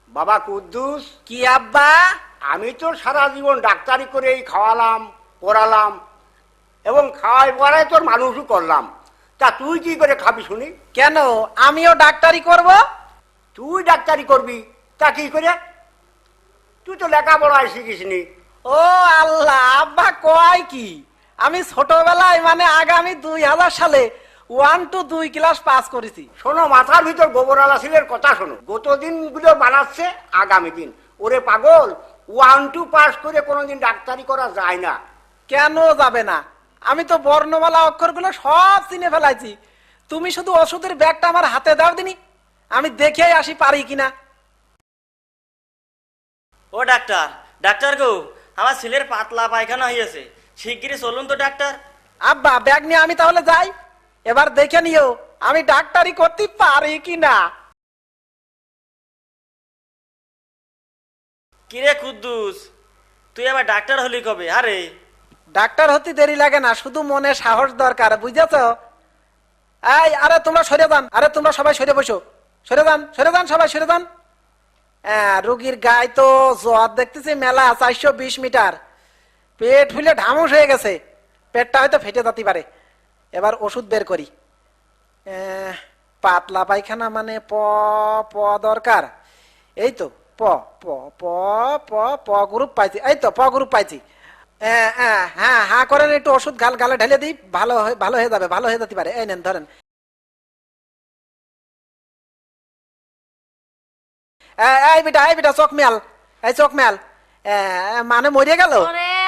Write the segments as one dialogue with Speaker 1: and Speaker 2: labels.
Speaker 1: বাবা কুদ্দুস,
Speaker 2: কি আব্বা?
Speaker 1: আমি তো সারা জীবন ডাক্তারি করেই খাওয়ালাম, পড়ালাম এবং খাওয়াই পড়াই তোর মানুষও করলাম। তা তুই কি করে খাবি শুনি?
Speaker 2: কেন আমিও ডাক্তারি করব?
Speaker 1: তুই ডাক্তারি করবি তা কি করে? তুই তো লেখাপড়ায় শিখিসনি।
Speaker 2: ও আল্লাহ, আব্বা কয় কি? আমি ছোটবেলায় মানে আগামী 2000 সালে 1 to 2 ক্লাস পাস করেছি।
Speaker 1: শোনো, মাথার ভিতর গোবর আলাসিলের কথা শোনো। গত দিনগুলো বানাচ্ছে আগামী দিন। ওরে পাগল, 1 2 পাস করে কোনোদিন ডাক্তারি করা যায় না।
Speaker 2: কেন যাবে না? আমি তো বর্ণমালা অক্ষরগুলো সব চিনে ফেলাইছি। তুমি শুধু ওষুধের ব্যাগটা আমার হাতে দাও দিনি, আমি দেখেই আসি পারি কিনা।
Speaker 3: ও ডাক্তার, ডাক্তার গো, আমার ছেলের পাতলা পায়খানা হয়েছে, শিগগিরই চলুন তো ডাক্তার।
Speaker 2: আব্বা ব্যাগ নিয়ে আমি তাহলে যাই, এবার দেখে নিও আমি ডাক্তারি করতে পারি কিনা।
Speaker 3: কিরে কুদ্দুস, তুই আবার ডাক্তার হলি কবে? আরে
Speaker 2: ডাক্তার হতে দেরি লাগে না, শুধু মনে সাহস দরকার, বুঝেছ? এই আরে তোমরা সরে যান, আরে তোমরা সবাই সরে বসো, সরে যান, সরে যান, সবাই সরে যান। রোগীর গায়ে তো জ্বর দেখতেছি মেলা, 420 মিটার, পেট ফুলে ঢামুস হয়ে গেছে, পেটটা হয়তো ফেটে যেতে পারে। এবার ওষুধ বের করি। পাতলা পায়খানা মানে প প দরকার। এই তো প প প প প গ্রুপ পাইছি, এই তো প গ্রুপ পাইছি। হ্যাঁ হ্যাঁ করেন, একটু ওষুধ গালে ঢেলে দিই, ভালো হয়ে যাবে, ভালো হয়ে যেতে পারে। এই নেন ধরেন। এই বেটা চোখ মেল, এই চোখ মেল, মানে মরিয়ে গেল।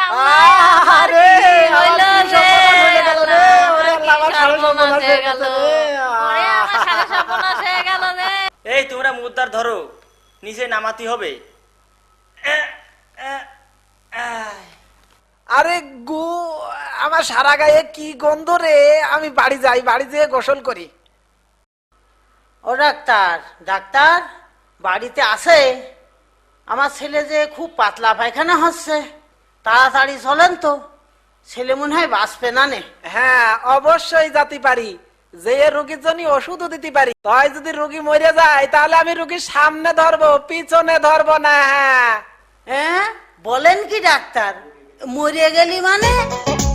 Speaker 3: এই তোমরা মুদ্রার ধরো, নিচে নামাতে হবে।
Speaker 2: আরে গু, আমার সারা গায়ে কি গন্ধ রে! আমি বাড়ি যাই, বাড়ি যেয়ে গোসল করি।
Speaker 4: ও ডাক্তার, ডাক্তার বাড়িতে আসে? আমার ছেলে যে খুব পাতলা পায়খানা হচ্ছে, তাড়াতাড়ি চলেন তো, ছেলে মনে হয় বাঁচবে না নে।
Speaker 2: হ্যাঁ অবশ্যই যেতে পারি, যে রোগীর জন্য ওষুধও দিতে পারি। তাই যদি রোগী মরে যায় তাহলে আমি রোগীর সামনে ধরবো, পিছনে ধরবো না। হ্যাঁ
Speaker 4: হ্যাঁ বলেন কি ডাক্তার, মরিয়ে গেলি মানে?